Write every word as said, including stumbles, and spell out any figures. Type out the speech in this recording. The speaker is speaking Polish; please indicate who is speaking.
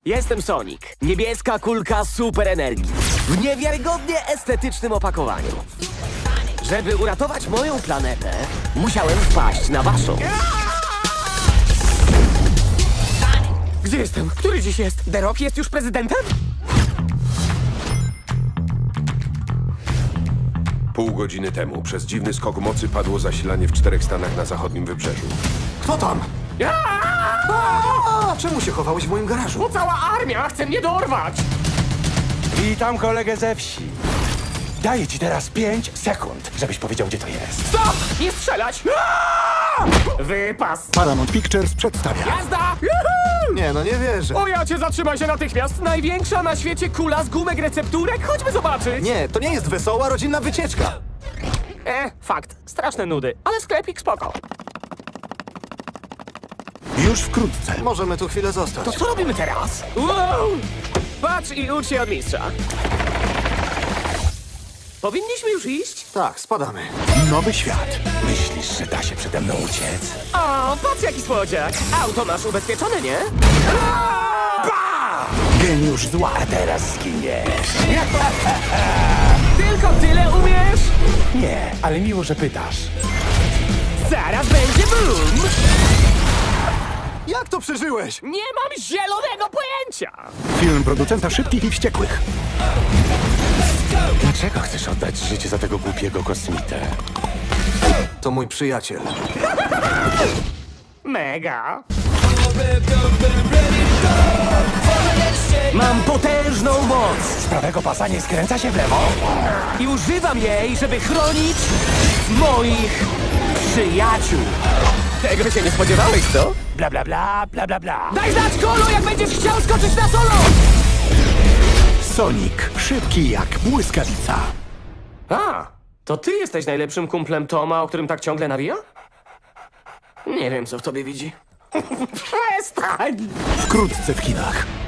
Speaker 1: Jestem Sonic. Niebieska kulka super energii. W niewiarygodnie estetycznym opakowaniu. Żeby uratować moją planetę, musiałem wpaść na waszą. Gdzie jestem? Który dziś jest? The Rock jest już prezydentem?
Speaker 2: Pół godziny temu przez dziwny skok mocy padło zasilanie w czterech stanach na zachodnim wybrzeżu.
Speaker 3: Kto tam? A, czemu się chowałeś w moim garażu?
Speaker 1: Bo cała armia chce mnie dorwać!
Speaker 4: Witam kolegę ze wsi. Daję ci teraz pięć sekund, żebyś powiedział, gdzie to jest.
Speaker 1: Stop! Nie strzelać! Wypas!
Speaker 5: Paramount Pictures przedstawia
Speaker 1: Jazda! Juhu!
Speaker 3: Nie, no nie wierzę.
Speaker 1: O ja cię, zatrzymaj się natychmiast! Największa na świecie kula z gumek recepturek? Chodźmy zobaczyć!
Speaker 3: Nie, to nie jest wesoła rodzinna wycieczka.
Speaker 1: E, fakt. Straszne nudy, ale sklepik spoko.
Speaker 5: już wkrótce.
Speaker 3: Możemy tu chwilę zostać.
Speaker 1: To co robimy teraz? Wow! Patrz i ucz się od mistrza. Powinniśmy już iść?
Speaker 3: Tak, spadamy.
Speaker 5: Nowy świat.
Speaker 4: Myślisz, że da się przede mną uciec?
Speaker 1: O, patrz jaki słodziak! Auto masz ubezpieczone, nie?
Speaker 5: Geniusz zła.
Speaker 4: A teraz zginiesz.
Speaker 1: Tylko tyle umiesz?
Speaker 4: Nie, ale miło, że pytasz.
Speaker 1: Zaraz będzie boom!
Speaker 3: Jak to przeżyłeś?
Speaker 1: Nie mam zielonego pojęcia!
Speaker 5: Film producenta Szybkich i Wściekłych.
Speaker 4: Dlaczego chcesz oddać życie za tego głupiego kosmitę?
Speaker 3: To mój przyjaciel.
Speaker 1: Mega! Mam potężną moc
Speaker 4: Z prawego pasa nie skręca się w lewo?
Speaker 1: i używam jej, żeby chronić moich przyjaciół. Tego się nie spodziewałeś, co?
Speaker 4: Bla, bla, bla, bla, bla, bla.
Speaker 1: Daj znać, Kolu, jak będziesz chciał skoczyć na solo!
Speaker 5: Sonic. Szybki jak błyskawica.
Speaker 1: A, to ty jesteś najlepszym kumplem Toma, o którym tak ciągle nawija? Nie wiem, co w tobie widzi. Przestań!
Speaker 5: Wkrótce w kinach.